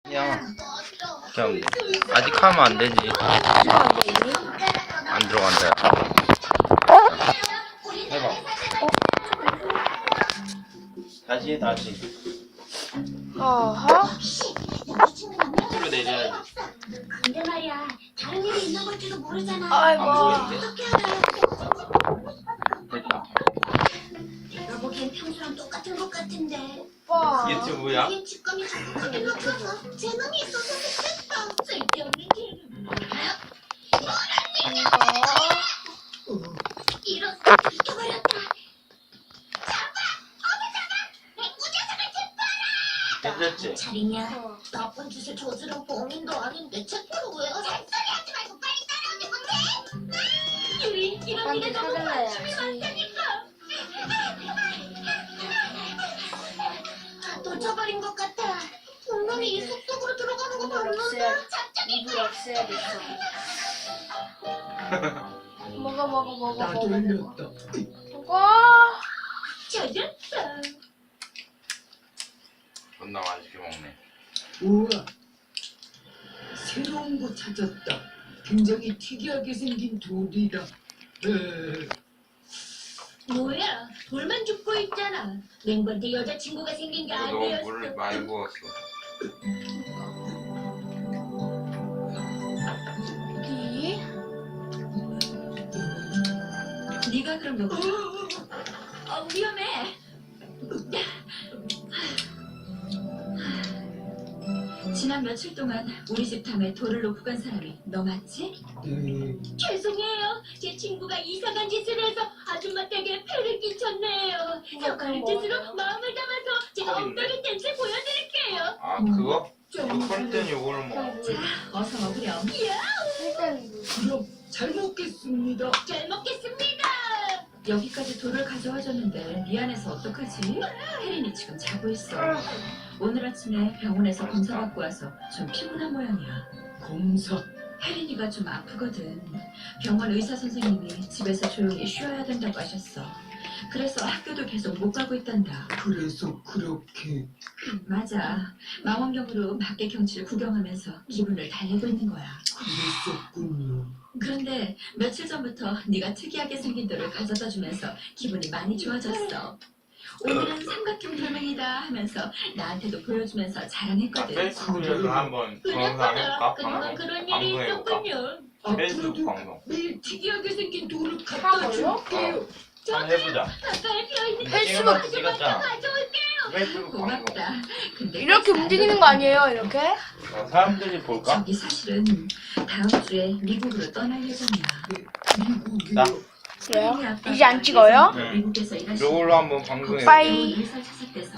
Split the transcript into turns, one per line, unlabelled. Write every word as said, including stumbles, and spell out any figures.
그냥 그냥 아직 하면 안 되지. 안 들어간다. 해봐. 다시 해, 다시.
어허.
밑으로 내려야지.
근데 말이야, 다른 일이 있는 걸지도 모르잖아.
아이고.
안 보이는데?
어떻게 알아요?
됐다.
내가 보기엔 평소랑 똑같은 것 같은데.
오빠.
유튜브야?
이게 직감이 자꾸 생각나서 제 놈이 있어서 됐다. 쓸데없는 개는 뭐야? 이런 잊어버렸다. 잡아! 어디 잡아! 맹구 녀석을 제발!
됐지?
잘이냐?
어.
나쁜 짓을 저지른 범인도 아닌데 체포를 왜 하지? 잔소리 하지 말고 빨리 따라오지 못해? 유리, 이런 일에 너무 관심이 많다니까. 놓쳐버린 것 같아. 분명히 이 숲속으로 들어가는 거
이불
봤는데
없애야
갑자기
이불 없애야겠어. 먹어 먹어 먹어
나도
먹어.
흘렸다.
먹어.
젖었어.
존나 맛있게 먹네.
우와, 새로운 거 찾았다. 굉장히 특이하게 생긴 돌이다. 에,
뭐야? 돌만 줍고 있잖아. 맹구한테 여자친구가 생긴 게
너무
아니었어.
물을 많이 부었어.
이.
네가 그럼 여기. 어, 위험해. 지난 며칠 동안 우리 집 탐에 돌을 놓고 간 사람이 너 맞지?
네,
죄송해요. 제 친구가 이상한 짓을 해서 아줌마 댁에 폐를 끼쳤네요. 저 그런 뜻으로 마음을 담아서 제가 엉덩이 댄스 보여드릴게요.
아 그거?
좀
이거 끓일 땐 요거를 먹어.
자, 어서 먹으렴. 이야,
일단
그럼 잘 먹겠습니다.
잘 먹겠습니다. 여기까지 돌을 가져와줬는데 미안해서 어떡하지? 혜린이 지금 자고 있어. 오늘 아침에 병원에서 검사 받고 와서 좀 피곤한 모양이야.
검사.
혜린이가 좀 아프거든. 병원 의사 선생님이 집에서 조용히 쉬어야 된다고 하셨어. 그래서 학교도 계속 못 가고 있단다.
그래서 그렇게.
맞아. 망원경으로 밖의 경치를 구경하면서 기분을 달래고 있는 거야.
그랬었군요.
그런데 며칠 전부터 네가 특이하게 생긴 돌을 가져다 주면서 기분이 많이 좋아졌어. 오늘은 삼각형 돌멩이다 하면서 나한테도 보여주면서
아,
자랑했거든.
페이스북에서 한번 영상 해볼까?
그동안
방송?
그런 일이
방송해볼까?
있었군요.
페이스북
앞으로도
방송.
매일 특이하게 생긴 돌을 갖다
하고요?
줄게요.
한번 해보자.
가까이 비어있는
페이스북
아줌마한테
찍었잖아.
가져올게요.
페이스북 방송.
고맙다. 근데
이렇게
안
움직이는 거 아니에요? 이렇게?
어, 사람들이 볼까?
저기 사실은 다음 주에 미국으로 떠날 예정이야.
미국이요.
그래요? 이제 안 찍어요?
응.
미국에서 일하시는
요걸로 한번 방송해볼게.
빠이.
의사 찾을 때서